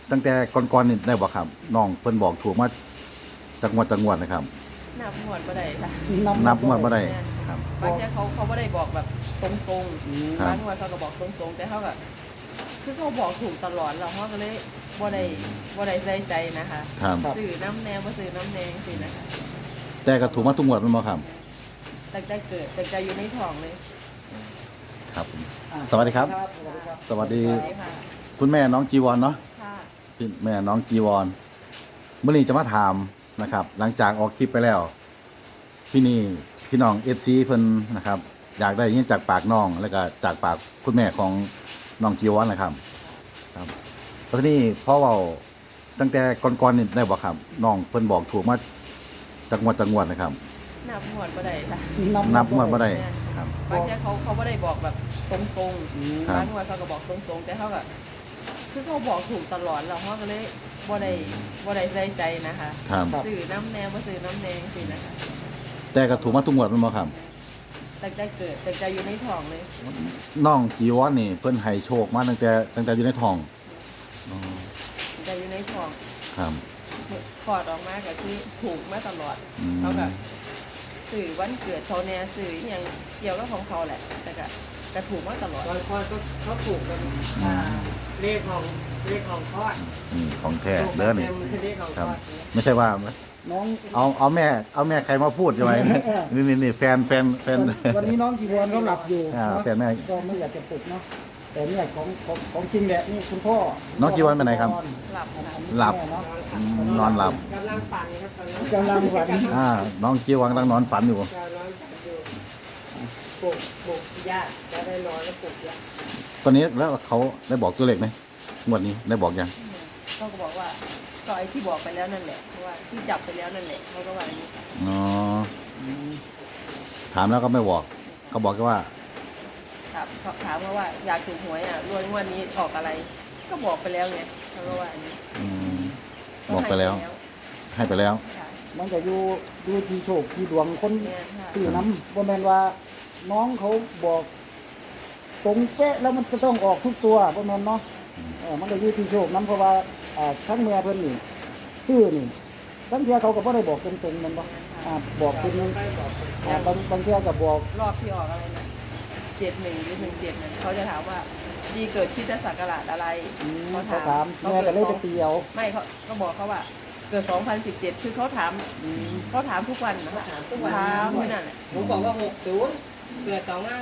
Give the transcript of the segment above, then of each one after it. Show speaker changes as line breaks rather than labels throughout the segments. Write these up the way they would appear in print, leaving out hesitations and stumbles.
ตั้งแต่ก่อนๆนี่ได้บ่ครับน้องเพิ่นบอกถูกมาจักงวดนะครับ
นับงวดบ่ได้ค่ะ
นับงวดบ่ได้ครับ
บางทีเขาบ่ได้บอกแบบตรงๆ
ครับ
บางงวดเขาก็บอกตรงๆแต่เขาก็คือเขาบอกถูกตลอดแล้วเขาก็เลยบ่ได้ใส่ใจนะคะ
ครับ
ซื้อน้ำแนงบ่ซื้อน้ำแดงสินะคะ
แต่ก็ถูกมาทุกงวดแม่นบ่ครับ
ตั้งแต่เกิดตั้งแต่อยู่ในท้องเลย
ครับผมสวัสดีครับ สวัสดี
สวัสดีค่ะ
คุณแม่น้องจีวรเนาะ
ค่ะ
พี่แม่น้องจีวรเมื่อนี้จะมาถามนะครับ หลังจากออกคลิปไปแล้วพี่น้อง FC เพิ่นนะครับ อยากได้ยินจากปากน้อง แล้วก็จากปากคุณแม่ของน้องจีวรนะครับ ครับแล้วทีนี้พ่อเว้าตั้งแต่ก่อนๆนี่ได้บ่ครับน้องเพิ่นบอกถูกมาจากงวดนะครับ
นับงวดบ่ได้ค่ะ
นับงวดบ่ได้ครับ
บางทีเขาบ่ได้บอกแบบตรง
ครับ
ๆบางงวดเขาก็บอกตรงๆแต่เขาก็คือเขาบอกถูกตลอดแล้วเขาก็เลยบ่ได้ใส่ใจนะคะ
ครับ
ซื้อน้ำแนงบ่ซื้อน้ำแดงสินะคะ
แต่ก็ถูกมาทุกงวดแม่นบ่ครับ
ตั้งแต่เกิดตั้งแต่อยู่ในท้องเลย
น้องจีวรนี่เพิ่นให้โชคมาตั้งแต่อยู่ในท้องอ๋อ
ตั้งแต่อยู่ในท้อง
ครับ
คลอดออกมาก็คือถูกมาตลอด
อืม
เขาก็สื่อวันเกิดเขาเนี่ยสื่ออหย่างเกี่ยวกับของเขาแหละ แต่ก็ถูกมาตลอด
ตอนคลอดก็เขาถูกกันเลขของคลอด
นี่ของแท้เด้อนี่
ต็มเลขของ
ค
ค
รั
ล
บ
อด
ไม่ใช่ว่า
น้อง
เอาแม่ใครมาพูดใช่ไหมนี่แฟน
วันนี้น้องจีวรเขาหลับอยู่
อ่า
เนาะ
แฟนแม่
ก็ไม่อยากจะปลุกเนาะแต่เนี่ยของจริงแหละนี่คุณพ่อ
น้องจีวรไปไหนครับ
หลับค่ะ
หลับ
แม่เนาะ
อืมนอนหลับ
กำลังฝันครับตอนนั้น
กำลังฝัน
น้องจีวรกำลังนอนฝันอยู่
กำลังฝันอยู่ปลุกญาติจะได้นอนแล้วปลุกญาติ
ตอนนี้แล้วเขาได้บอกตัวเลขไหมงวดนี้ได้บอกยัง
เขาก็บอกว่าก็ไอ้ที่บอกไปแล้วนั่นแหละเพราะว่าที่จับไปแล้วนั่นแหละเขาก็ว่าอย่างนี้ค่ะ
อ๋อถามแล้วก็ไม่บอกเขาบอกแค่ว่า
ถามเขาว่าอยากถูกหวยอ่ะรวยงวดนี้ออกอะไร ก็บอกไปแล้วไงเขาก็ว่าอย่างนี้
อืมบอกไปแล้ว ให้ไปแล้ว
ค่ะ
มันจะอยู่ที่โชคที่ดวงคน
เนี่ยค่ะ
สื่อน้ำบ่แม่นว่าน้องเขาบอกตรงเป๊ะแล้วมันจะต้องออกทุกตัวบ่แม่นเนาะมันก็อยู่ที่โชคน้ำเพราะว่าทั้งเมียเพิ่นนี่ซื้อนี่ทั้งเที่ยเขาก็บ่ได้บอกตรงๆแมันบ่บอกเป็น
ไปบอก
บางเที่ยก็บอก
รอบที่ออกอะไรนะ71หรือ17นั่นเขาจะถามว่าดีเกิดคริดศักราชอะไร
เขาถามแม่ก็เลยไปเตียว
ไม่เขาก็บอกเขาว่าเกิด 2017 คือเขาถามทุกวันนะถามทุกวันถามที่นั่นแหละ
ผมบอกว่า60เกิด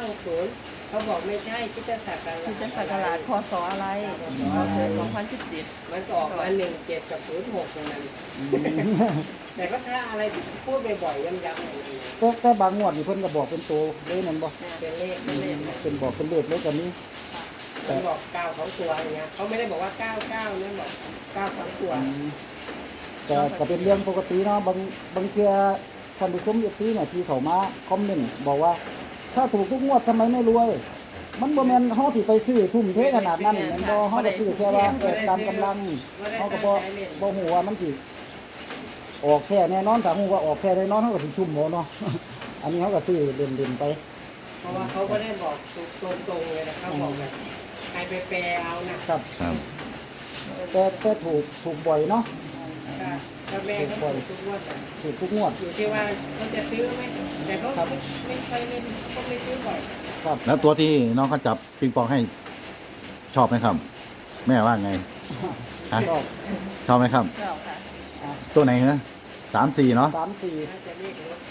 2560เขาบอกไม่ใช่คิดจะสักการ
คริดศักราชพศอะไรเราเกิด 2017
มันก็ออกมา17กับ06ตรงนั้นแต่ก็ถ้าอะไรพูดบ่อยๆย้ำๆอย่างนี้
แต่บางงวดนี่เพิ่นก็บอกเป็นตัวเลยแมันบ่
เป็นเลข
เป็นเลข
เป็นบอกเป็นเลขเลยกันนี้
ผมบอก9ของตัวอย่างเงี้ยเขาไม่ได้บอกว่า99เนี่ยบอก9ของตัว
แต่ก็เป็นเรื่องปกติเนาะบางเทื่อท่านผู้ชมอยู่ที่เนี่ยที่เขามาคอมเมนต์บอกว่า ถ้าถูกทุกงวดทำไมไม่รวย มันบ่แม่นเฮาสิไปซื้อทุ่มเทขนาดนั้นแม่นบ่เฮาก็ซื้อแค่ว่าตามกำลังเฮาก็บ่ฮู้ว่ามันสิออกแค่แน่นอนถ้าฮู้ว่าออกแค่แน่นอนเฮาก็สิชุ่มบ่เนาะ อันนี้เฮาก็ซื้อเล่นๆไป
เพราะว่าเขาก็ได้บอกตรงๆเลยนะเขาบอกแบบใครไปแปลเอานะครับ
ครับ
แต่ถูกบ่อยเนาะ
ถ้าแม่เขาถูกทุกงวดอะ
ถูกทุกงวด
อยู่ที่ว่าเขาจะซื้อไหมแต่เขาไม่เคยเล่นเขาไม่ซื้อบ่อย
ครับ
แล้วตัวที่น้องเขาจับปิงปองให้ชอบไหมครับ แม่ว่าไงฮะ
ก็
ชอบไหมครับ
เจ้าค่ะ
ตัวไหนนะ3-4เนาะ
3-4
น่าจะเรียกรถ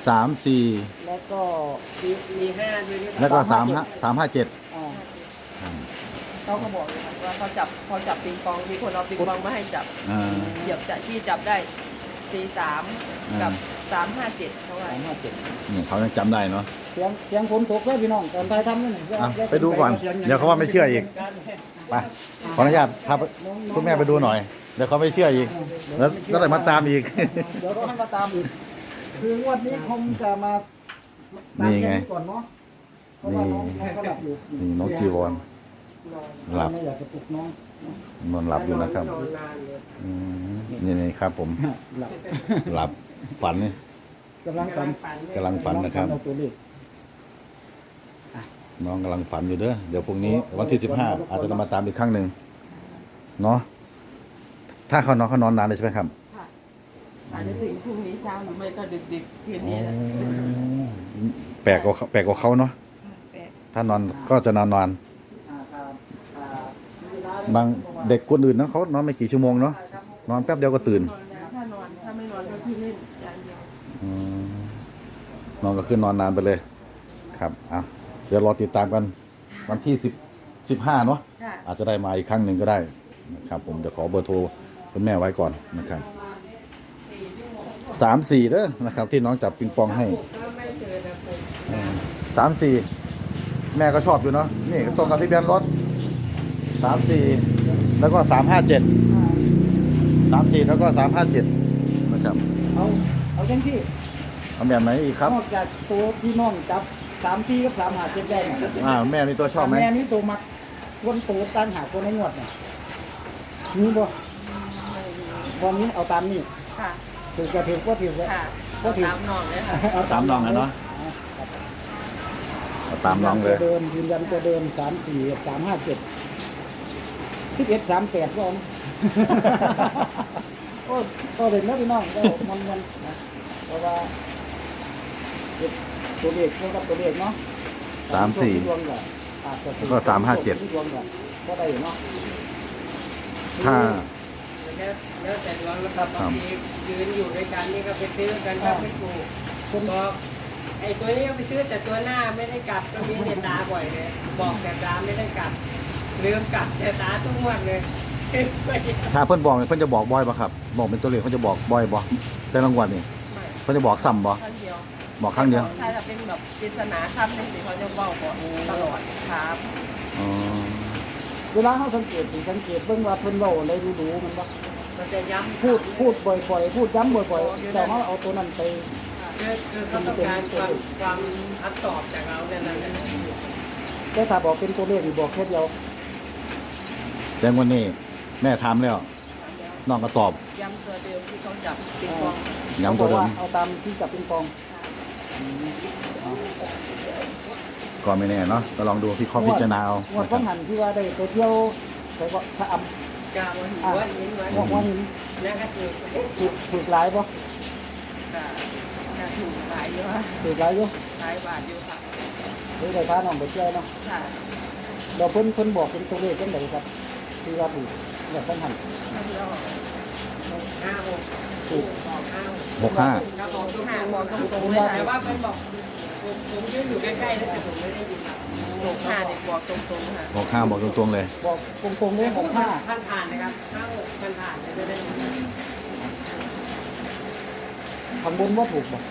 3-4
แล้วก็
มีห้าด้วยหรือเป
แล้ว
ล่า
ก็3-5-7
อ่า
เขาก็บอกเลยค่ะว่าเขาจับปิงปองมีคนเอาปิงปองมาให้จับ
อ่า
เหยียบจะที่จับได้43กับ357เขาว่า
357
นี่เขายังจำได้เนาะ
เสียงฝนตกเลยพี่น้องตอนไทยทำนี่
อ่ะไปดูก่อน เดี๋ยวเขาว่าไม่เชื่ออีก ไปขออนุญาตพาคุณแม่ไปดูหน่อย เดี๋ยวเขาไม่เชื่ออีก แล้วก็เลยมาตามอีก
เดี๋ยวเราให้มาตามอีก คืองวดนี้คงจะมาตาม
นี่ไง
แค่ก่อนเนาะเพราะว่าน้องก็หลับอยู่
นี่น้องจีวรหลับ
ไม่อยากจะปลุกน้อง
นอนหลับอยู่นะครับ
นอนนานเลย
อืมนี่ครับผม
หลับ
หลับฝันนี่
กำลังฝัน
กำลังฝันนะครับ
เอาตัวเลข
น้องกำลังฝันอยู่เด้อ เดี๋ยวพรุ่งนี้วันที่15อาจจะมาตามอีกครั้งหนึ่งเนาะถ้าเขานอนนานเลยใช่ไหมครับ
ค่ะอาจจะถึงพรุ่งนี้เช้าหรือไม่ก็ดึกๆคืน
อ๋
นี้แหละ
อแปลกกว่าเขาเนาะ
แปด
ถ้านอนก็จะนอนบางเด็กคนอื่นนะเขานอนไม่กี่ชั่วโมงเนาะนอนแป๊บเดียวก็ตื่น
ถ้าไม่นอนก็คือเล่นอย่างเดียว
อืมนอนก็คือนอนนานไปเลย ครับอ่ะเดี๋ยวรอติดตามกันวันที่15เนาะ
ค่ะ
อาจจะได้มาอีกครั้งหนึ่งก็ได้นะครับ ผมเดี๋ยวขอเบอร์โทรคุณแม่ไว้ก่อนนะครับ34เด้อนะครับ ที่น้องจับปิงปองให้
ก็ไม่เจอนะผม
34แม่ก็ชอบอยู่เนาะนี่ก็ตรงกับทะเบียนรถ34แล้วก็357 34แล้วก็357นะครับ
เอาจังที่
เอาแบบไหนอีกครับ
นอกจากตัวพี่น้องจับ3 4กับ3 5 7ได้เนี่ย
แม่มีตัวชอบไหม
แม่นี่ตัวมักคนตัวตั้งหาตัวในงวดเนี่ยมีบ่วันนี้เอาตามนี้
ค่ะ
ถือก็ถือว่าถือว่า
ค่ะ
ก็ถือ
ตามน้องเลยค่ะ
ตามน้องนะเนาะเอาตามน้องเลย
เดิมยืนยันตัวเดิม3 4 3 5 7 11 38ว่าโอ้ก็เด็กนะพี่น้องก็มันนะเพราะว่าตัวเลขเท่ากับตัวเลขเนาะ
34
ดวงก็อาจจะ
ก็357
ดวงก็ได้เนาะ
ถ้า
แล้วแต่ดวงนะครับบางทียืนอยู่ด้วยกันนี่ก็ไปซื้อกันก็ไม่ถูกบอกไอ้ตัวนี้ก็ไปซื้อแต่ตัวหน้าไม่ได้กลับก็มีเนี่ยตาบ่อยเลยบอกแต่ตาไม่ได้กลับลืมกลับแต่ตาทุกงวันเลย
ถ้าเพิ่นบอกเนี่ยเพิ่นจะบอกบ่อยป่ะครับ บอกเป็นตัวเลขเพิ่นจะบอกบ่อยบ่แต่รางวัลนี่
ไม่
เพิ่นจะบอกซ้ำบ่
ครั้งเดียว
บอกครั้งเดียว
ถ้าจะเป็นแบบปริศนาคำในสิ่งเขาจะบอกตลอดครับ
อ๋อ
เวลาเขาสังเกตเบิ่งว่าเพิ่นเว้าอะไรรู้ๆมันบ่
มันจะย้ำ
พูดบ่อยๆพูดย้ำบ่อยๆแต่เขาเอาตัวนั้นไป
คือเขาต้องการความอัดตอบจากเราเนี่ยนั่นแหละ
แต่ถ้าบอกเป็นตัวเลขนี่บอกแค่เดียว
แต่วันนี้แม่ถามแล้วน้องก็ตอบ
ย้ำตัวเดิมที่เขาจับปิงปอง
ย้ำตัวเดิม
ขาบอกาเอาตามที่จับปิงปอง
ก็ไม่แน่เนาะก็ลองดูพี่ข้อพิจารณาเอา
งวด
นะค
ต้
รั
อบ งหันที่ว่าได้ไปเที่ยวไปก็ถ้าอำ
กาวันหัวนิ้นไว้
งวดว่าหิน
นั่นก็คือ
ถูกหลายบ่
ก็ถูกหลายเยอะ
ถูกหลายอยู่
หลายบาทอยู่ค่ะ
หรือได้พาน้องไปเที่ยวเนาะ
ค่ะ
เดี๋ยวเพิ่นบอกเป็นตัวเลขจังไดครับที่ว่าถูกงวดต้องหัน
แล้ว
56
ถูก
บอก5
65
ครับบอกทุก
ห้า
5
บบ อ
อก ก
ต
ต
ร
รง ง
ๆเลย
แต่
ค่ะ
ว่าเพิ่นบอกผมยืนอยู่ใกล้ๆแล้วแต่ผมไม่ได้ยินครับ
ถูกห้าเด็กบอกตรงๆค่ะ
65บอกตรงๆเลย
บอกตรงๆเลยของห้า
ผ่านนะครับ56ผ่านจะได้
ข้างบนว่าถูกบ่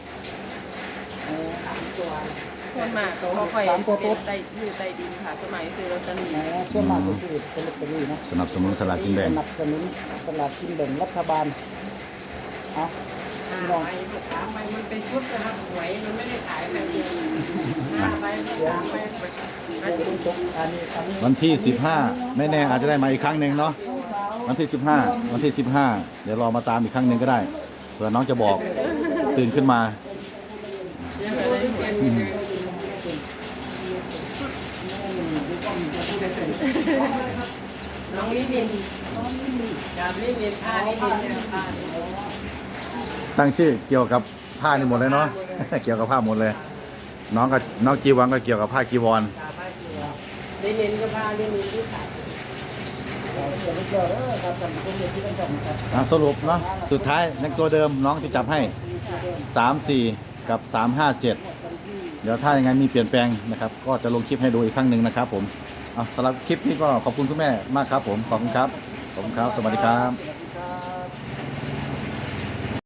3 ตัว
ส่วนมากเขาค่อยเป็นได้ยืดได้ดินค่ะสมัยซื้อลอตเตอรี่
ส่วนมากก็คือเป็นลอตเตอรี่นะ
สนับสนุนสลากกินแบ่ง
สนับสนุนสลากกินแบ่งรัฐบาลเอา
5 ใบ3 ใบมันเป็นชุดนะครับหวยมันไม่ได้ขายแบบเดียว5 ใบ3 ใบ
อันนี้
วันที่15ไม่แน่อาจจะได้มาอีกครั้งหนึ่งเนาะวันที่15เดี๋ยวรอมาตามอีกครั้งหนึ่งก็ได้เผื่อน้องจะบอกตื่นขึ้นมา
น้องลิลินกับลิลินผ้าลิลินเนี่ยผ้า
ตั้งชื่อเกี่ยวกับผ้านี่หมดเลยเนาะ เกี่ยวกับผ้าหมดเลย น้องจีวังก็เกี่ยวกับผ้าจีวร
ลิลินก็ผ้าลิลินที่ใส่
สรุปเนาะสุดท้ายในตัวเดิมน้องที่จับให้ 34 กับ 357 เดี๋ยวถ้ายังไงมีเปลี่ยนแปลงนะครับ ก็จะลงคลิปให้ดูอีกครั้งหนึ่งนะครับผมสำหรับคลิปนี้ก็ขอบคุณคุณแม่มากครับผมขอบคุณครับ สวัสดีครับ